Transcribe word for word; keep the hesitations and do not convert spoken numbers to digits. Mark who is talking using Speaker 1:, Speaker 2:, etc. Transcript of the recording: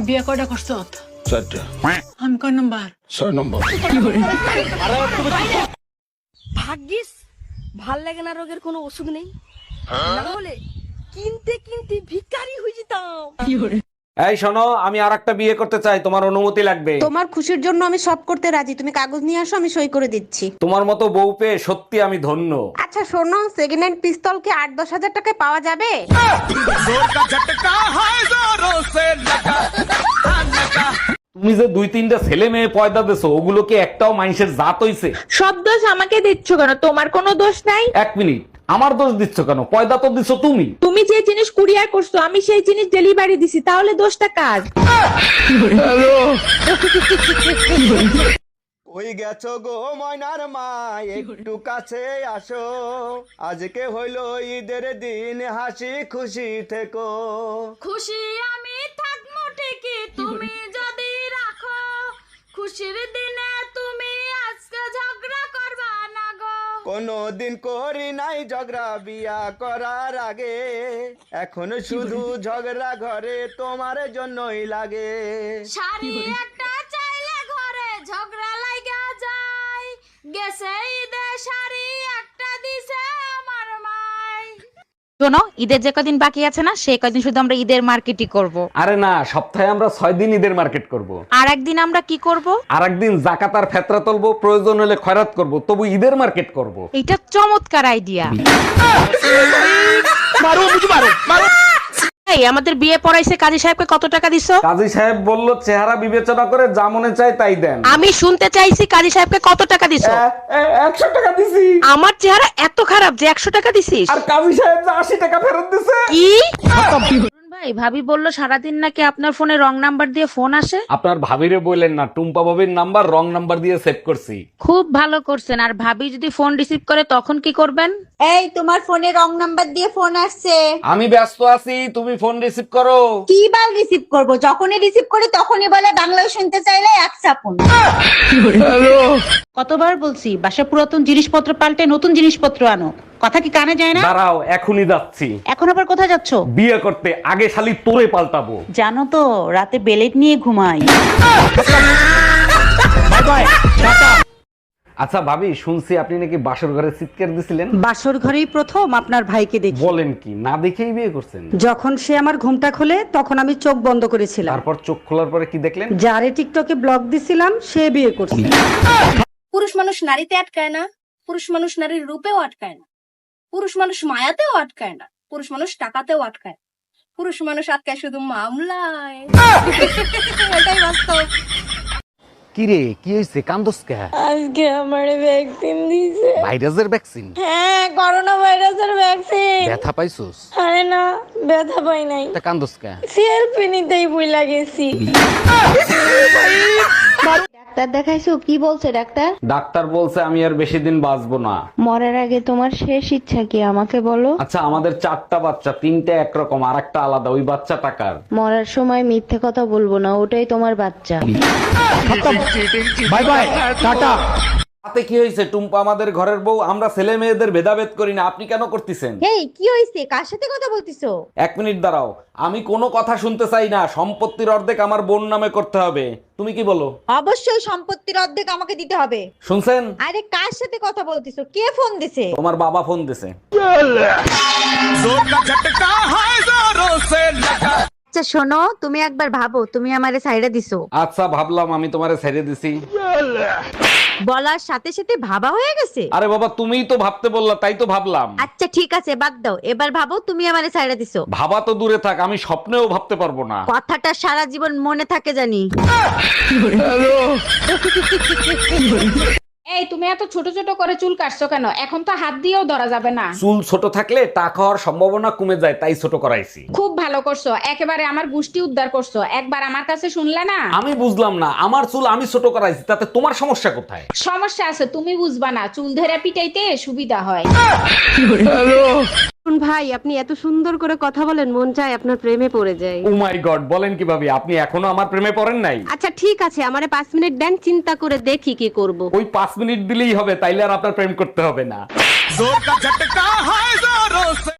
Speaker 1: বিয়ে কয়টা করছো?
Speaker 2: চারটা।
Speaker 1: আমি কয় নাম্বার?
Speaker 2: ছয় নম্বর।
Speaker 3: ভাগ্যিস ভাল লাগে না রোগের কোনো ওষুধ নেই, না হলে কিনতে কিনতে ভিখারি হয়ে যেতাম।
Speaker 4: এই শোনো, আমি আর একটা বিয়ে করতে চাই, তোমার অনুমতি লাগবে।
Speaker 5: তোমার খুশির জন্য আমি সব করতে রাজি, তুমি কাগজ নিয়ে আসো, আমি সই করে দিচ্ছি।
Speaker 4: তোমার মতো বউ পেয়ে সত্যি আমি ধন্য।
Speaker 5: আচ্ছা শোনো, সেকেন্ড হ্যান্ড পিস্তল কি আট দশ হাজার টাকায় পাওয়া যাবে?
Speaker 4: তুমি যে দুই তিনটা ছেলে মেয়ে পয়দা দেছো, ওগুলো কি একটাও মানুষের জাত হইছে?
Speaker 6: সব দোষ আমাকে দিচ্ছ কেন? তোমার কোনো দোষ নাই।
Speaker 4: এক মিনিট, আমার দোষ দিচ্ছ কেন? পয়দা তো দিছো তুমি।
Speaker 6: তুমি যে জিনিস কুরিয়ার করছো আমি সেই জিনিস ডেলিভারি দিছি, তাহলে দোষটা কার?
Speaker 7: ওই গেছো গো ময়নার মা, একটু কাছে আসো, আজকে হইল ঈদের দিন, হাসি খুশি থেকো।
Speaker 8: খুশি আমি থাকবো ঠিকই, তুমি যদি রাখো, খুশির দিনে তুমি আজকে ঝগড়া করবা না গো।
Speaker 7: কোনো দিন করি নাই ঝগড়া বিয়া করার আগে, এখন শুধু ঝগড়া ঘরে তোমার জন্যই লাগে।
Speaker 8: শাড়ি একটা চাইলে ঘরে ঝগড়া লাগা যায়, গেছে ঈদে শাড়ি একটা দিছে আমার মাই।
Speaker 9: শোনো, ঈদের যে কদিন বাকি আছে না, সেই কদিন শুধু আমরা ঈদের মার্কেটই করব।
Speaker 4: আরে না, সপ্তাহে আমরা ছয় দিন ঈদের মার্কেট করব।
Speaker 9: আর একদিন আমরা কি করব?
Speaker 4: আর একদিন জাকাত আর ফেতরা তুলবো, প্রয়োজন হলে খয়রাত করব, তবু ঈদের মার্কেট করব।
Speaker 9: এটা চমৎকার আইডিয়া। এই, আমাদের বিয়ে পড়াইছে কাজী সাহেবকে কত টাকা দিছো?
Speaker 4: কাজী সাহেব বলল চেহারা বিবেচনা করে যা মনে চায় তাই দেন।
Speaker 9: আমি শুনতে চাইছি কাজী সাহেবকে কত টাকা দিছো?
Speaker 4: একশো টাকা দিছি।
Speaker 9: আমার চেহারা এত খারাপ যে একশো টাকা দিছিস?
Speaker 4: আর কাজী সাহেব যে আশি টাকা ফেরত দিছে।
Speaker 9: কি? ভাই, ভাবি বললো সারাদিন নাকি আপনার ফোনে রং নাম্বার দিয়ে ফোন আসে।
Speaker 4: আপনার ভাবিরে বললেন না, টুম্পা ভাবির নাম্বার রং নাম্বার দিয়ে সেভ করছি।
Speaker 9: খুব ভালো করছেন। আর ভাবি যদি ফোন রিসিভ করে তখন কি করবেন?
Speaker 5: এই, তোমার ফোনে রং নাম্বার দিয়ে ফোন আসছে।
Speaker 4: আমি ব্যস্ত আছি, তুমি ফোন রিসিভ করো।
Speaker 5: কি বার রিসিভ করব? যখনই রিসিভ করি তখনই বলে বাংলায় শুনতে চাইলে এক চাপুন।
Speaker 10: কতবার বলছি বাসা পুরাতন জিনিসপত্র পাল্টে নতুন জিনিসপত্র আনো, কথা কি কানে যায় না?
Speaker 4: দাঁড়াও, এখনই যাচ্ছি।
Speaker 10: এখন আবার কোথায় যাচ্ছ?
Speaker 4: বিয়ে করতে। আগে শালি তোরে পাল্টাবো।
Speaker 10: জানো তো রাতে বেলেট নিয়ে ঘুমাই।
Speaker 4: আচ্ছা ভাবি, শুনছি আপনি নাকি বাসর ঘরে চিৎকার দিছিলেন।
Speaker 10: বাসর ঘরেই প্রথম আপনার ভাইকে দেখি।
Speaker 4: বলেন কি? না দেখেই বিয়ে করছেন?
Speaker 10: যখন সে আমার ঘুমটা খোলে তখন আমি চোখ বন্ধ করেছিলাম।
Speaker 4: তারপর চোখ খোলার পরে কি দেখলেন?
Speaker 10: যারে টিকটকে ব্লগ দিছিলাম সে বিয়ে করছে।
Speaker 3: পুরুষ মানুষ নারীতে আটকায় না, পুরুষ মানুষ নারীর রূপেও আটকায় না, পুরুষ মানুষ মায়াতেও আটকায় না, পুরুষ মানুষ টাকাতেও আটকায়, পুরুষ মানুষ আটকায় শুধু মামলায়। এটাই বাস্তব।
Speaker 4: কি রে, কি হইছে? কান্দোস কে?
Speaker 6: আজকে আমার ভ্যাকসিন দিছে।
Speaker 4: ভাইরাসের ভ্যাকসিন?
Speaker 6: হ্যাঁ, করোনা ভাইরাসের ভ্যাকসিন।
Speaker 4: ব্যথা পাইছস?
Speaker 6: আরে না, ব্যথা পাই নাই।
Speaker 4: তা কান্দোস কে?
Speaker 6: সেলফি নিতেই ভুলে গেছি।
Speaker 11: ডাক্তার দেখাইছো? কি বলছে ডাক্তার?
Speaker 4: ডাক্তার বলছে আমি আর বেশি দিন বাঁচবো না।
Speaker 11: মরার আগে তোমার শেষ ইচ্ছা কি আমাকে বলো?
Speaker 4: আচ্ছা, আমাদের চারটা বাচ্চা, তিনটা একরকম আর একটা আলাদা, ওই বাচ্চা টাকার।
Speaker 11: মরার সময় মিথ্যে কথা বলবো না, ওটাই তোমার বাচ্চা।
Speaker 4: Bye bye, tata. তাতে কি হয়েছে? টুম্পা আমাদের ঘরের বউ, আমরা ছেলে মেয়েদের ভেদাভেদ করি না, আপনি কেন করতেছেন?
Speaker 5: এই, কি হইছে? কার সাথে কথা বলতিছো?
Speaker 4: এক মিনিট দাঁড়াও, আমি কোনো কথা শুনতে চাই না। সম্পত্তির অর্ধেক আমার বোন নামে করতে হবে। তুমি কি বলো?
Speaker 5: অবশ্যই সম্পত্তির অর্ধেক আমাকে দিতে হবে।
Speaker 4: শুনছেন?
Speaker 5: আরে কার সাথে কথা বলতিছো? কে ফোন দিছে?
Speaker 4: তোমার বাবা ফোন দিছে।
Speaker 5: আচ্ছা শোনো, তুমি একবার ভাবো তুমি আমারে সাইডে দিছো।
Speaker 4: আচ্ছা ভাবলাম, আমি তোমারে ছেড়ে দিছি।
Speaker 5: বলার সাথে সাথে ভাবা হয়ে গেছে।
Speaker 4: আরে বাবা, তুমিই তো ভাবতে বললা, তাই তো ভাবলাম।
Speaker 5: আচ্ছা ঠিক আছে, বাদ দাও। এবার ভাবো তুমি আমারে সাইডে দিছো।
Speaker 4: ভাবা তো দূরে থাক, আমি স্বপ্নেও ভাবতে পারবো না।
Speaker 5: কথাটা সারা জীবন মনে থাকে জানি।
Speaker 6: এই, তুমি এত ছোট ছোট করে চুল কাটছো কেন? এখন তো হাত দিয়েও ধরা যাবে না।
Speaker 4: চুল ছোট থাকলে টাকা হওয়ার সম্ভাবনা কমে যায়, তাই ছোট করাইছি।
Speaker 6: খুব ভালো করছো, একেবারে আমার গুষ্টি উদ্ধার করছো। একবার আমার কাছে শুনলে না?
Speaker 4: আমি বুঝলাম না, আমার চুল আমি ছোট করাইছি, তাতে তোমার সমস্যা কোথায়?
Speaker 6: সমস্যা আছে, তুমি বুঝবা না। চুল ধরে পিটাইতে সুবিধা হয়।
Speaker 5: ভাই, আপনি এত সুন্দর করে কথা বলেন, মন চায় আপনার প্রেমে পড়ে যায়।
Speaker 4: ও মাই গড, বলেন কিভাবে? আপনি এখনো আমার প্রেমে পড়েন নাই?
Speaker 5: আচ্ছা ঠিক আছে, আমারে পাঁচ মিনিট দেন, চিন্তা করে দেখি কি করব।
Speaker 4: ওই পাঁচ মিনিট দিলেই হবে, তাইলে আর আপনার প্রেম করতে হবে না।